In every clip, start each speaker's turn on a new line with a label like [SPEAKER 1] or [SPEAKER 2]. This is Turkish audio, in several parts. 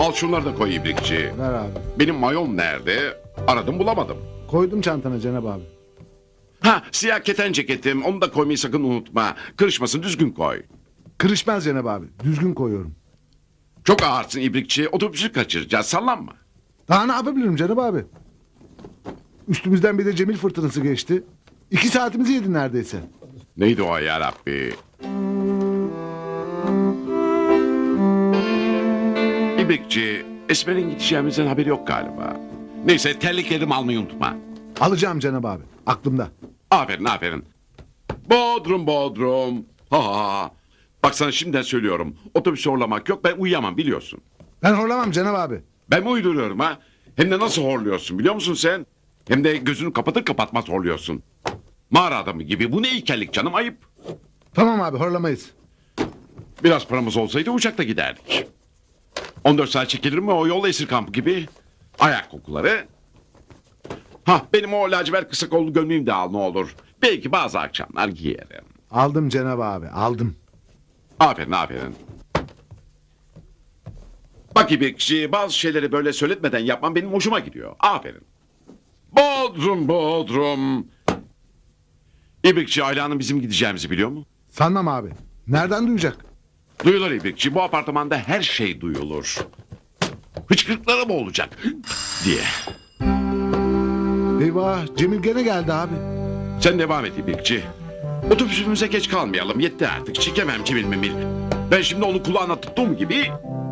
[SPEAKER 1] Al şunları da koy İbrikçi.
[SPEAKER 2] Ver abi.
[SPEAKER 1] Benim mayon nerede? Aradım bulamadım.
[SPEAKER 2] Koydum çantana Cenab abi.
[SPEAKER 1] Ha, siyah keten ceketim, onu da koymayı sakın unutma. Kırışmasın, düzgün koy.
[SPEAKER 2] Kırışmaz Cenab abi. Düzgün koyuyorum.
[SPEAKER 1] Çok ağırsın İbrikçi, otobüsü kaçıracağız, sallanma.
[SPEAKER 2] Daha ne yapabilirim Cenab abi? Üstümüzden bir de Cemil fırtınası geçti. 2 saatimizi yedi neredeyse.
[SPEAKER 1] Neydi o yarabbi? İbrikçi, Esmer'in gideceğimizden haberi yok galiba. Neyse, terliklerimi almayı unutma.
[SPEAKER 2] Alacağım Cenab abi. Aklımda.
[SPEAKER 1] Aferin, aferin. Bodrum, Bodrum. Ha ha ha. Bak sana şimdiden söylüyorum. Otobüsü horlamak yok, ben uyuyamam biliyorsun.
[SPEAKER 2] Ben horlamam Cenab abi.
[SPEAKER 1] Ben mi uyduruyorum ha? Hem de nasıl horluyorsun biliyor musun sen? Hem de gözünü kapatır kapatmaz horluyorsun. Mağara adamı gibi. Bu ne ilkellik canım, ayıp.
[SPEAKER 2] Tamam abi horlamayız.
[SPEAKER 1] Biraz paramız olsaydı uçakta giderdik. 14 saat çekilir mi o yol, esir kampı gibi? Ayak kokuları. Ha, benim o lacivert kısa kollu gömleğimi de al ne olur. Belki bazı akşamlar giyerim.
[SPEAKER 2] Aldım Cenab abi aldım.
[SPEAKER 1] Aferin, aferin. Bak İbrikçi, bazı şeyleri böyle söyletmeden yapman benim hoşuma gidiyor. Aferin. Bodrum, Bodrum. İbrikçi, Ayla'nın bizim gideceğimizi biliyor mu?
[SPEAKER 2] Sanmam abi. Nereden duyacak?
[SPEAKER 1] Duyulur İbrikçi, bu apartmanda her şey duyulur. Hıçkırıklara mı olacak diye.
[SPEAKER 2] Eyvah Cemil gene geldi abi.
[SPEAKER 1] Sen devam et İbrikçi. Otobüsümüze geç kalmayalım, yetti artık. Çekemem Cemil Memil. Ben şimdi onu kulağına tuttuğum gibi...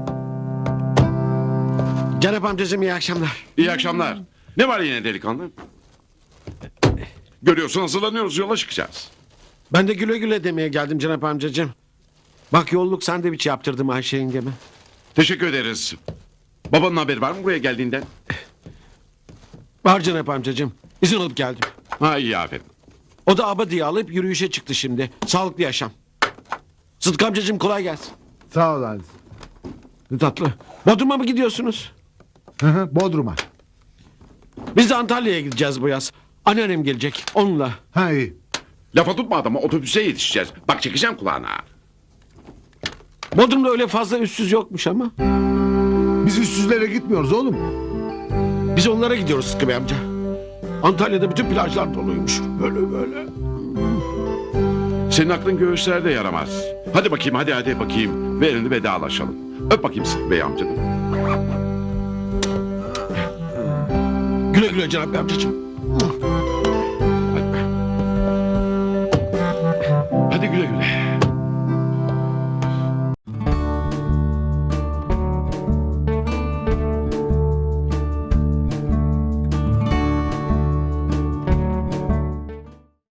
[SPEAKER 3] Cenap amcacığım iyi akşamlar.
[SPEAKER 1] İyi akşamlar. Ne var yine delikanlı? Görüyorsun, hazırlanıyoruz, yola çıkacağız.
[SPEAKER 3] Ben de güle güle demeye geldim Cenap amcacığım. Bak yolluk sandviç yaptırdım Ayşe yengeme.
[SPEAKER 1] Teşekkür ederiz. Babanın haberi var mı buraya geldiğinden?
[SPEAKER 3] Var Cenap amcacığım. İzin alıp geldim.
[SPEAKER 1] Ha, iyi, aferin.
[SPEAKER 3] O da abadiye alıp yürüyüşe çıktı şimdi. Sağlıklı yaşam. Sıtkı amcacığım kolay gelsin.
[SPEAKER 2] Sağ ol Halis.
[SPEAKER 3] Ne tatlı. Bodrum'a mı gidiyorsunuz?
[SPEAKER 2] Hı hı, Bodrum'a.
[SPEAKER 3] Biz de Antalya'ya gideceğiz bu yaz. Anneannem gelecek onunla.
[SPEAKER 2] Ha iyi.
[SPEAKER 1] Lafa tutma adama, otobüse yetişeceğiz. Bak çekeceğim kulağına.
[SPEAKER 3] Bodrum'da öyle fazla üstsüz yokmuş ama.
[SPEAKER 2] Biz üstsüzlere gitmiyoruz oğlum.
[SPEAKER 3] Biz onlara gidiyoruz Sıtkı Bey amca. Antalya'da bütün plajlar doluymuş. Böyle böyle.
[SPEAKER 1] Senin aklın göğüslerde yaramaz. Hadi bakayım, hadi bakayım. Verin vedalaşalım. Öp bakayım Sıtkı Bey amcanım.
[SPEAKER 3] Güle güle Cenap Bey amcacığım.